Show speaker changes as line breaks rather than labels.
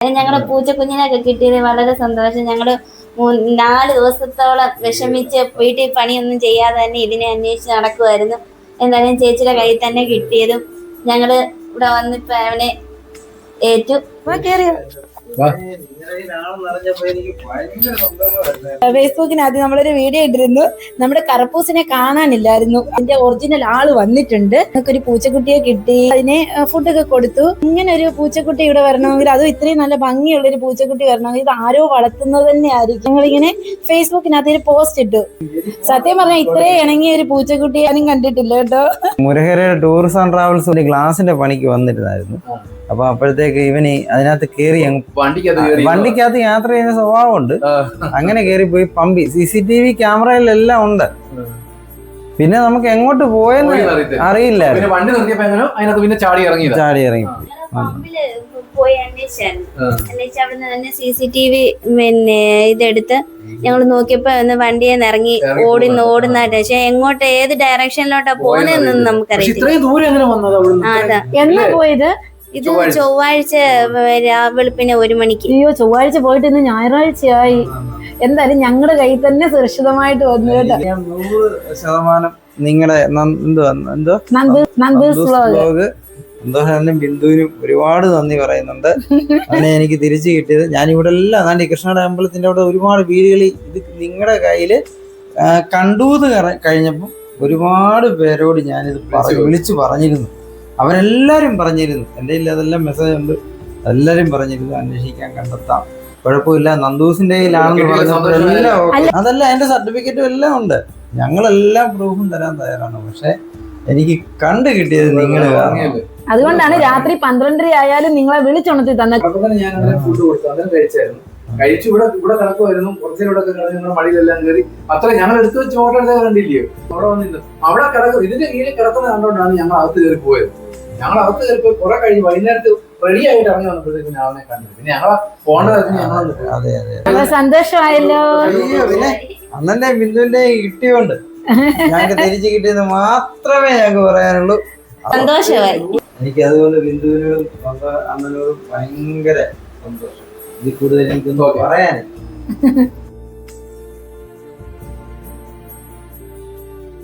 ഞങ്ങളുടെ പൂച്ചക്കുഞ്ഞിനൊക്കെ കിട്ടിയത് വളരെ സന്തോഷം. ഞങ്ങള് 4 ദിവസത്തോളം വിഷമിച്ച് വീട്ടിൽ പണിയൊന്നും ചെയ്യാതെ തന്നെ ഇതിനെ അന്വേഷിച്ച് നടക്കുമായിരുന്നു. എന്തായാലും ചേച്ചിയുടെ കയ്യിൽ തന്നെ കിട്ടിയതും ഞങ്ങള് ഇവിടെ വന്നിപ്പോ അവനെ ഏറ്റു.
ഫേസ്ബുക്കിനകത്ത് നമ്മളൊരു വീഡിയോ ഇട്ടിരുന്നു. നമ്മുടെ കറപ്പൂസിനെ കാണാനില്ലായിരുന്നു. അതിന്റെ ഒറിജിനൽ ആള് വന്നിട്ടുണ്ട്. നമുക്കൊരു പൂച്ചക്കുട്ടിയെ കിട്ടി. അതിനെ ഫുഡൊക്കെ കൊടുത്തു. ഇങ്ങനെ ഒരു പൂച്ചക്കുട്ടി ഇവിടെ വരണമെങ്കിൽ, അതും ഇത്രയും നല്ല ഭംഗിയുള്ള ഒരു പൂച്ചക്കുട്ടി വരണമെങ്കിൽ ഇത് ആരോ വളർത്തുന്നത് തന്നെ ആയിരിക്കും. ഞങ്ങളിങ്ങനെ ഫേസ്ബുക്കിനകത്ത് ഒരു പോസ്റ്റ് ഇട്ടു. സത്യം പറഞ്ഞാൽ ഇത്രയും ഇണങ്ങിയ ഒരു പൂച്ചക്കുട്ടി ഞാനും കണ്ടിട്ടില്ല കേട്ടോ.
മുരഹരയുടെ ടൂറിസം ആൻഡ് ട്രാവൽസ് ഗ്ലാസിന്റെ പണിക്ക് വന്നിരുന്നായിരുന്നു. അപ്പൊ അപ്പോഴത്തേക്ക് ഇവന് അതിനകത്ത് കയറി വണ്ടിക്കകത്ത് യാത്ര ചെയ്യുന്ന സ്വഭാവമുണ്ട്. അങ്ങനെ കയറി പോയി പമ്പി. CCTV ക്യാമറയിലെല്ലാം ഉണ്ട്. പിന്നെ നമുക്ക് എങ്ങോട്ട് പോയെന്ന് അറിയില്ല. ചാടി ഇറങ്ങി
പോയി അന്വേഷിച്ചായിരുന്നു. അവിടുന്ന് തന്നെ CCTV ഇതെടുത്ത് ഞങ്ങൾ നോക്കിയപ്പോ വണ്ടിയെ ഇറങ്ങി ഓടുന്നതായിട്ട്. പക്ഷെ എങ്ങോട്ട് ഏത് ഡയറക്ഷനിലോട്ടാ പോകുന്നതെന്നൊന്നും നമുക്കറിയില്ല. അതാ
എന്നാ പോയത്?
ഇത് ചൊവ്വാഴ്ച വെളുപ്പിന് 1 മണിക്ക്.
അയ്യോ, ചൊവ്വാഴ്ച പോയിട്ട് ഇന്ന് ഞായറാഴ്ചയായി. എന്തായാലും ഞങ്ങളുടെ കയ്യിൽ തന്നെ സുരക്ഷിതമായിട്ട് വന്നു കേട്ടോ.
100% നിങ്ങളുടെ സന്തോഷനും ബിന്ദുവിനും ഒരുപാട് നന്ദി പറയുന്നുണ്ട്. അതിനെ എനിക്ക് തിരിച്ചു കിട്ടിയത്. ഞാനിവിടെ എല്ലാം അതാണ്ട് കൃഷ്ണയുടെ അമ്പലത്തിന്റെ അവിടെ ഒരുപാട് വീടുകളിൽ ഇത് നിങ്ങളുടെ കയ്യിൽ കണ്ടൂന്ന് കഴിഞ്ഞപ്പോൾ ഒരുപാട് പേരോട് ഞാനിത് വിളിച്ചു പറഞ്ഞിരുന്നു. അവരെല്ലാരും പറഞ്ഞിരുന്നു. എൻ്റെ കയ്യിൽ അതെല്ലാം മെസ്സേജ് ഉണ്ട്. എല്ലാരും പറഞ്ഞിരുന്നു അന്വേഷിക്കാൻ കണ്ടെത്താം, കുഴപ്പമില്ല, നന്ദൂസിന്റെ കയ്യിലാണെന്ന് പറഞ്ഞപ്പോഴെല്ലാം അതല്ല എന്റെ സർട്ടിഫിക്കറ്റും എല്ലാം ഉണ്ട്. ഞങ്ങളെല്ലാം പ്രൂഫും തരാൻ തയ്യാറാണ്. പക്ഷെ എനിക്ക് കണ്ടു കിട്ടിയത് നിങ്ങൾ.
അതുകൊണ്ടാണ് രാത്രി 12:30 ആയാലും നിങ്ങളെ വിളിച്ചുണർത്തി തന്നെ.
ഞാൻ ഫുഡ് കൊടുത്തു, അങ്ങനെ കഴിച്ചു. ഇവിടെ കിടക്കുമായിരുന്നു. കുറച്ചിലൂടെ ഞങ്ങളുടെ മടിയിലെല്ലാം കയറി. അത്ര ഞങ്ങൾ എടുത്തു വെച്ച് ഫോട്ടോ എടുത്തത് കണ്ടില്ലയോ? അവിടെ വന്നിരുന്നു. അവിടെ കിടക്കും. ഇതിന്റെ കീഴിൽ കിടക്കുന്നത് കണ്ടുകൊണ്ടാണ് ഞങ്ങൾ അകത്ത് കയറി പോയത്. ഞങ്ങൾ അകത്ത് കയറിപ്പോയി കുറെ കഴിഞ്ഞ് വൈകുന്നേരത്ത് റെഡി ആയിട്ട് ഇറങ്ങി വന്നപ്പോഴത്തേക്ക് ഞാൻ അവനെ കണ്ടു. പിന്നെ ഞങ്ങളെ പോകേണ്ടതായിരുന്നു. ഞങ്ങൾ
സന്തോഷമായല്ലോ.
പിന്നെ അന്നെ ബിന്ദുവിന്റെ കിട്ടിയോണ്ട് ഞങ്ങൾക്ക് തിരിച്ചു കിട്ടിയെന്ന് മാത്രമേ ഞങ്ങൾക്ക് പറയാനുള്ളൂ.
സന്തോഷമായി.
എനിക്ക് അതുപോലെ ബിന്ദുവിനോടും അണ്ണനോടും ഭയങ്കര സന്തോഷം. ഇതിൽ കൂടുതൽ എനിക്കൊന്നും പറയാൻ